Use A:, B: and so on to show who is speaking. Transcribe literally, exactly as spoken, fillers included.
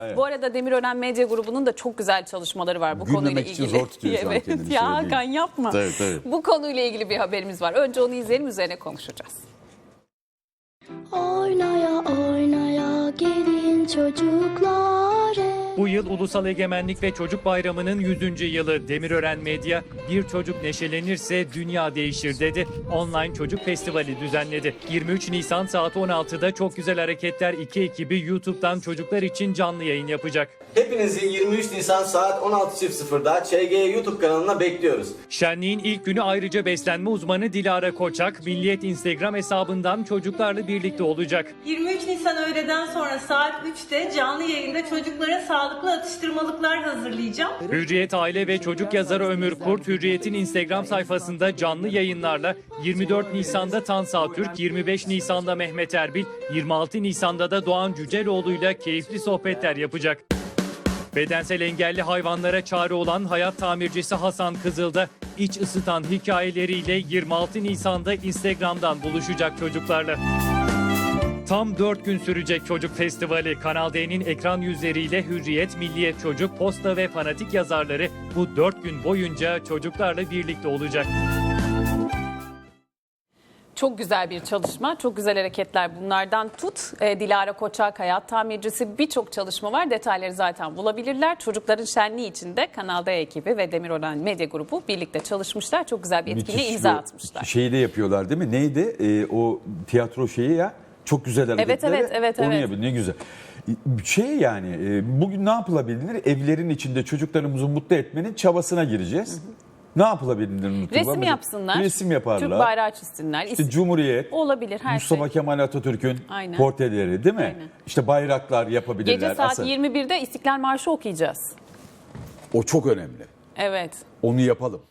A: Evet.
B: Bu arada Demirören Medya Grubu'nun da çok güzel çalışmaları var bu
A: Gülmemek
B: konuyla
A: için
B: ilgili.
A: zor tutuyor şu an
B: Evet
A: kendini,
B: ya
A: söyleyeyim.
B: Hakan yapma.
A: Tabii, tabii.
B: Bu konuyla ilgili bir haberimiz var. Önce onu izleyelim, üzerine konuşacağız.
C: Oynaya oynaya gelin çocuklar hep.
D: Bu yıl Ulusal Egemenlik ve Çocuk Bayramı'nın yüzüncü yılı. Demirören Medya, bir çocuk neşelenirse dünya değişir dedi. Online Çocuk Festivali düzenledi. yirmi üç Nisan saat on altıda Çok Güzel Hareketler iki ekibi YouTube'dan çocuklar için canlı yayın yapacak.
E: Hepinizi yirmi üç Nisan saat on altı sıfır sıfırda Ç G YouTube kanalına bekliyoruz.
D: Şenliğin ilk günü ayrıca beslenme uzmanı Dilara Koçak, Milliyet Instagram hesabından çocuklarla birlikte olacak.
F: yirmi üç Nisan öğleden sonra saat üçte canlı yayında çocuklara sağlıklı atıştırmalıklar hazırlayacağım.
D: Hürriyet aile ve çocuk yazarı Ömür Kurt, Hürriyet'in Instagram sayfasında canlı yayınlarla yirmi dört Nisan'da Tansa Türk, yirmi beş Nisan'da Mehmet Erbil, yirmi altı Nisan'da da Doğan Cüceloğlu'yla keyifli sohbetler yapacak. Bedensel engelli hayvanlara çare olan hayat tamircisi Hasan Kızıl'da iç ısıtan hikayeleriyle yirmi altı Nisan'da Instagram'dan buluşacak çocuklarla. Tam dört gün sürecek Çocuk Festivali. Kanal D'nin ekran yüzleriyle Hürriyet, Milliyet Çocuk, Posta ve Fanatik yazarları bu dört gün boyunca çocuklarla birlikte olacak.
B: Çok güzel bir çalışma, çok güzel hareketler bunlardan tut. E, Dilara Koçak, hayat tamircisi, birçok çalışma var. Detayları zaten bulabilirler. Çocukların şenliği için de Kanal D ekibi ve Demirören Medya Grubu birlikte çalışmışlar. Çok güzel bir etkinliğe
A: Müthiş
B: imza
A: bir
B: atmışlar.
A: Şeyi de yapıyorlar değil mi? Neydi? Ee, o tiyatro şeyi ya. Çok güzel hareketleri.
B: evet, evet,
A: Onu
B: evet.
A: yapıyor. Ne güzel. Şey yani e, bugün ne yapılabilir? Evlerin içinde çocuklarımızı mutlu etmenin çabasına gireceğiz. Hı hı. Ne yapılabilir?
B: Resim yapsınlar.
A: Resim yaparlar.
B: Türk bayrağı çizsinler.
A: İşte Cumhuriyet.
B: Olabilir her
A: Mustafa
B: şey.
A: Kemal Atatürk'ün
B: Aynen.
A: portreleri değil mi?
B: Aynen.
A: İşte bayraklar yapabilirler.
B: Gece saat
A: Aslında
B: yirmi birde İstiklal Marşı okuyacağız.
A: o çok önemli.
B: Evet.
A: Onu yapalım.